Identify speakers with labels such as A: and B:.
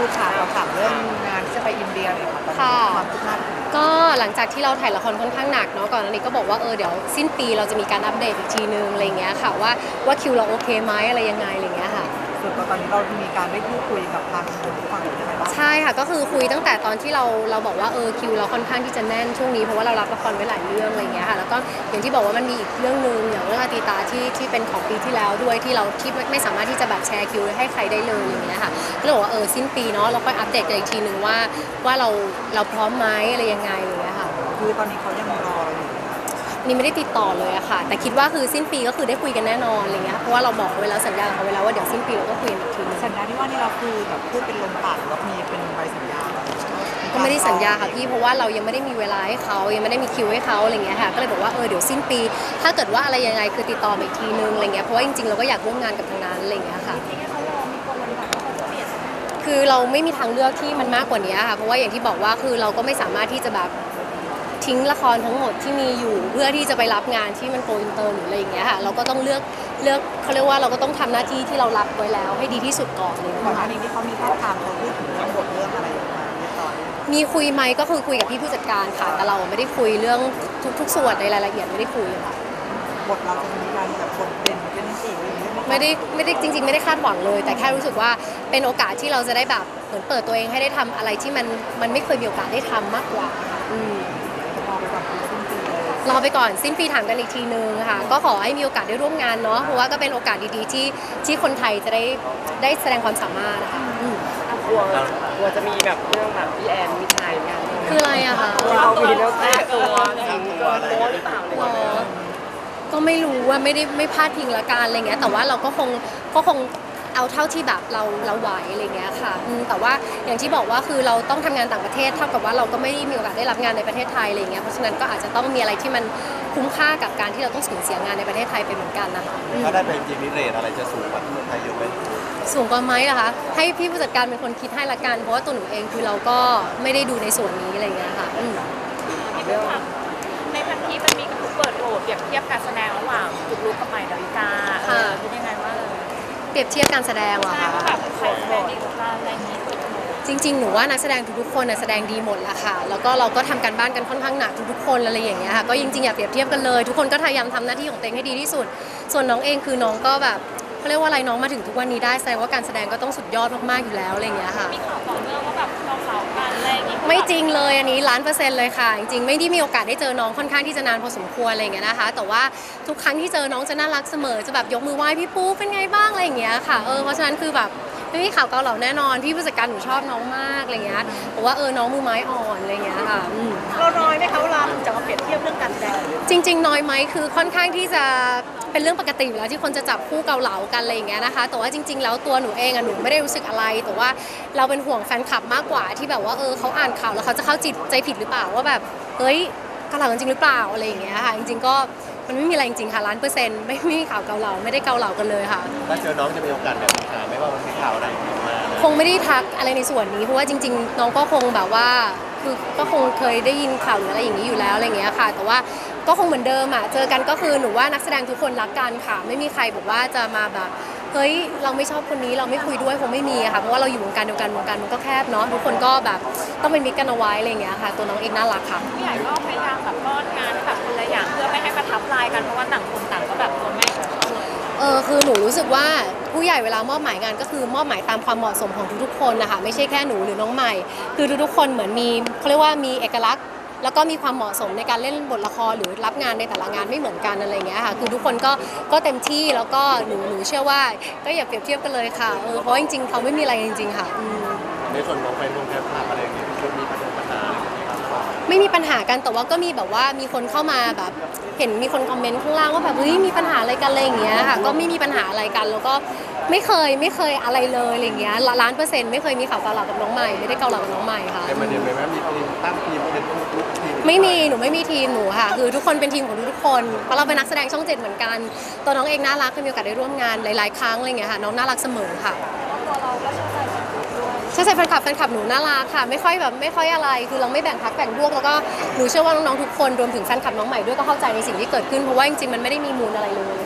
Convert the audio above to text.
A: ค่ะเราถามเรื่องงานที่จะไปอินเดียเลยค่ะความคืบหน้า
B: ก็หลังจากที่เราถ่ายละครค่อนข้างหนักเนาะก่อนอันนี้ก็บอกว่าเดี๋ยวสิ้นปีเราจะมีการอัปเดตอีกทีนึงอะไรเงี้ยค่ะว่าคิวเราโอเคไหมอะไรยังไงอะไรเงี้ยค่ะ
A: ส่วนตอนนี้เรามีการได้พูดคุยกับทางคนฝั่งนู้นยังไงบ้าง
B: ใช่ค่ะก็คือคุยตั้งแต่ตอนที่เราบอกว่าคิวเราค่อนข้างที่จะแน่นช่วงนี้เพราะว่าเรารับละครไว้หลายเรื่องอะไรเงี้ยค่ะแล้วก็อย่างที่บอกว่ามันมีอีกเรื่องนึงอย่างเรื่องอาติตาที่เป็นของปีที่แล้วด้วยที่ไม่สามารถที่จะแบบแชร์คิวให้ใครได้เลยอย่างเงี้ยค่ะก็เลยบอกว่าสิ้นปีเนาะเราค่อยอัปเดตกันอีกทีนึงว่าเราพร้อมไหมอะไรยังไงอย่างเงี้ยค่ะ
A: คือตอนนี้เขายังรอเราอยู่
B: นี่ไม่ได้ติดต่อเลยอะค่ะแต่คิดว่าคือสิ้นปีก็คือได้คุยกันแน่นอนอะไรเงี้ยเพราะว่าเราบอกไว้แล้วสัญญากับเขาไว้แล้วว่าเดี๋ยวสิ้นปีเราก็คุยกันอีกทีนึง
A: สัญญาที่ว่านี่เราคือแบบพูดเป็นลมปากหรือว่ามีเป็นใบสัญญา
B: ก็ไม่ได้สัญญาค่ะพี่เพราะว่าเรายังไม่ได้มีเวลาให้เขายังไม่ได้มีคิวให้เขาอะไรเงี้ยค่ะก็เลยบอกว่าเดี๋ยวสิ้นปีถ้าเกิดว่าอะไรยังไงคือติดต่อมาอีกทีนึงอะไรเงี้ยเพราะว่าจริงๆเราก็อยากร่วมงานกับทางนั้นอะไรเงี้ยค่ะคือเราไม่มีทางเลือกที่มันมากกว่านี้ค่ะเพราะว่าอย่างที่บอกว่าคือเราก็ไม่สามารถที่จะแบบทิ้งละครทั้งหมดที่มีอยู่เพื่อที่จะไปรับงานที่มันโกอินเตอร์หรืออะไรอย่างเงี้ยค่ะเราก็ต้องเลือกเขาเรียกว่าเราก็ต้องทำหน้าที่ที่เรารับไว้แล้วให้ดีที่สุดก่อนเลย
A: ก่อนหน้านี้ที่เขามีท่าทางเขาพูดถึงเรื่องบทเรื่องอะไรอย่างเงี้ยเรียบร้อย
B: มีคุยไหมก็คือคุยกับพี่ผู้จัดการค่ะแต่เราไม่ได้คุยเรื่องทุกส่วนในรายละเอียดไม่ได้คุยค่ะ
A: บทเราจะมีการแบบบทเด่นเป็นสีอะไรอย่างเงี้ย
B: ไม่ได้จริงๆไม่ได้คาดหวังเลยแต่แค่รู้สึกว่าเป็นโอกาสที่เราจะได้แบบเหมือนเปิดตัวเองให้ได้ทำอะไรที่มันไม่เคยมีโอกาสได้ทำมากกว่าค่ะรอไปก่อนสิ้นปีถามกันอีกทีนึงค่ะก็ขอให้มีโอกาสได้ร่วมงานเนาะเพราะว่าก็เป็นโอกาสดีๆที่คนไทยจะได้แสดงความสามารถนะคะ
C: กลัวจะมีแบบเรื่องแบบพี่แอนมิชัยงาน
B: คืออะไรอะคะ
C: เรามีเรื่องแก้ตัวสิงเกินโป๊หรือเปล่า
B: ก็ไม่รู้ว่าไม่พลาดพิงละกันอะไรเงี้ยแต่ว่าเราก็คงเอาเท่าที่แบบเราไหวอะไรเงี้ยค่ะแต่ว่าอย่างที่บอกว่าคือเราต้องทำงานต่างประเทศเท่ากับว่าเราก็ไม่ได้มีโอกาสได้รับงานในประเทศไทยอะไรเงี้ยเพราะฉะนั้นก็อาจจะต้องมีอะไรที่มันคุ้มค่ากับการที่เราต้องสูญเสียงานในประเทศไทยไปเหมือนกันนะคะ
D: ถ้าได้ไปจริงนี่เรทอะไรจะสูงกว่าที่เมืองไทยเยอะไหม
B: สูงกว่าไหมล่ะคะให้พี่ผู้จัดการเป็นคนคิดให้ละกันเพราะว่าตัวหนูเองคือเราก็ไม่ได้ดูในส่วนนี้อะไรเงี้ยค่ะ
E: ในพันทิปมันมีกระทู้เปิดโหวตเปรียบเทียบการแสดงระหว่างจุกลุกกับใหม่ดาวิกาเป็นยังไงบ้าง
B: เปรียบเทียบการแสดงเหรอคะ
E: แบบใครแสดงดีกว่ากันอะไรอย่างนี้
B: จริงๆหนูว่านักแสดงทุกๆคนแสดงดีหมดละค่ะแล้วก็เราก็ทำการบ้านกันค่อนข้างหนักทุกๆคนอะไรอย่างเงี้ยค่ะก็จริงๆอย่าเปรียบเทียบกันเลยทุกคนก็พยายามทำหน้าที่ของตัวเองให้ดีที่สุดส่วนน้องเองคือน้องก็แบบเขาเรียกว่าอะไรน้องมาถึงทุกวันนี้ได้แสดงว่าการแสดงก็ต้องสุดยอดมากๆอยู่แล้วอะไรอย่างเงี้ยค่ะ
E: มีข่าวต่อเนื่องว่าแบบเราเสากันอะไรอย่างงี้
B: ไม่จริงเลยอันนี้1,000,000%เลยค่ะจริงๆไม่ได้มีโอกาสได้เจอน้องค่อนข้างที่จะนานพอสมควรอะไรอย่างเงี้ยนะคะแต่ว่าทุกครั้งที่เจอน้องจะน่ารักเสมอจะแบบยกมือไหว้พี่ปูเป็นไงบ้างอะไรอย่างเงี้ยค่ะเพราะฉะนั้นคือแบบไม่มีข่าวเกาเหลาแน่นอนพี่ผู้จัดการหนูชอบน้องมากอะไรเงี้ยบอกว่าน้องมือไม้อ่อนอะไรเงี้ยค่ะ
E: เราน้อยไหมคะเวลาจะมาเปรียบเทียบเรื่องการแสดง
B: จริงๆน้อยไหมคือค่อนข้างที่จะเป็นเรื่องปกติอยู่แล้วที่คนจะจับคู่เกาเหลากันอะไรอย่างเงี้ยนะคะแต่ว่าจริงๆแล้วตัวหนูเองหนูไม่ได้รู้สึกอะไรแต่ว่าเราเป็นห่วงแฟนคลับมากกว่าที่แบบว่าเขาอ่านข่าวแล้วเขาจะเข้าใจผิดหรือเปล่าว่าแบบเฮ้ยเกาเหลาจริงหรือเปล่าอะไรอย่างเงี้ยค่ะจริงๆก็มันไม่มีอะไรจริงๆค่ะ1,000,000%ไม่มีข่าวเกาเหลาไม่ได้เกาเหลากันเลยค่ะ
D: ถ้าเจอน้องจะมีโอกาสแบบถามไหมว่ามันมีข่าวอะไรมา
B: คงไม่ได้ทักอะไรในส่วนนี้เพราะว่าจริงๆน้องก็คงแบบว่าคือก็คงเคยได้ยินข่าวหรืออะไรอย่างนี้อยู่แล้วอะไรอย่างเงี้ยค่ะแต่ว่าก็คงเหมือนเดิมเจอกันก็คือหนูว่านักแสดงทุกคนรักกันค่ะไม่มีใครบอกว่าจะมาแบบเฮ้ยเราไม่ชอบคนนี้เราไม่คุยด้วยคงไม่มีค่ะเพราะว่าเราอยู่วงการเดียวกันวงการมันก็แคบเนาะทุกคนก็แบบต้องเป็นมิตรกันเอาไว้อะไรอย่างเงี้ยค่ะตัวน้องเองน่ารักค่ะ
E: พี่ใหญ่ก็พยายามแบบป้อนงานแบบคนละอย่างเพื่อไม่ให้ประทับลายกันเพราะว่าต่างคนต่างก็แบบตัวแม่
B: คือหนูรู้สึกว่าผู้ใหญ่เวลามอบหมายงานก็คือมอบหมายตามความเหมาะสมของทุกๆคนนะคะไม่ใช่แค่หนูหรือน้องใหม่คือทุกๆคนเหมือนมีเขาเรียกว่ามีเอกลักษณ์แล้วก็มีความเหมาะสมในการเล่นบทละครหรือรับงานในแต่ละงานไม่เหมือนกันอะไรเงี้ยค่ะคือทุกคนก็เต็มที่แล้วก็หนูเชื่อว่าก็อย่าเปรียบเทียบกันเลยค่ะเพราะจริงๆเขาไม่มีอะไรจริงๆค่ะ
D: ในส่วนของแฟนวงแฟนคลับอะไรอย่างเงี้ยมีปัญหา
B: ไม่มีปัญหากันแต่ว่าก็มีแบบว่ามีคนเข้ามาแบบเห็นมีคนคอมเมนต์ข้างล่างว่าแบบเฮ้ยมีปัญหาอะไรกันอะไรอย่างเงี้ยค่ะก็ไม่มีปัญหาอะไรกันแล้วก็ไม่เคยอะไรเลยอะไรอย่างเงี้ย1,000,000%ไม่เคยมีข่าวเกาเหลากับน้องใหม่ไม่ได้เกาเหลากับน้องใหม่ค่ะ
D: แต่มันเดี๋ยวไหมมีทีมตั้งทีมเป็นทุกทีม
B: ไม่มีหนูไม่มีทีมหนูค่ะคือทุกคนเป็นทีมของทุกคนเพราะเราเป็นนักแสดงช่อง7เหมือนกันตัวน้องเองน่ารักเคยมีโอกาสได้ร่วมงานหลายๆครั้งอะไรอย่างเงี้ยค่ะน้องน่ารักเสมอค่ะใช่แฟนคลับหนูน่ารักค่ะไม่ค่อยอะไรคือเราไม่แบ่งพรรคแบ่งพวกแล้วก็หนูเชื่อว่าน้องๆทุกคนรวมถึงแฟนคลับน้องใหม่ด้วยก็เข้าใจในสิ่งที่เกิดขึ้นเพราะว่าจริงๆมันไม่ได้มีมูลอะไรเลย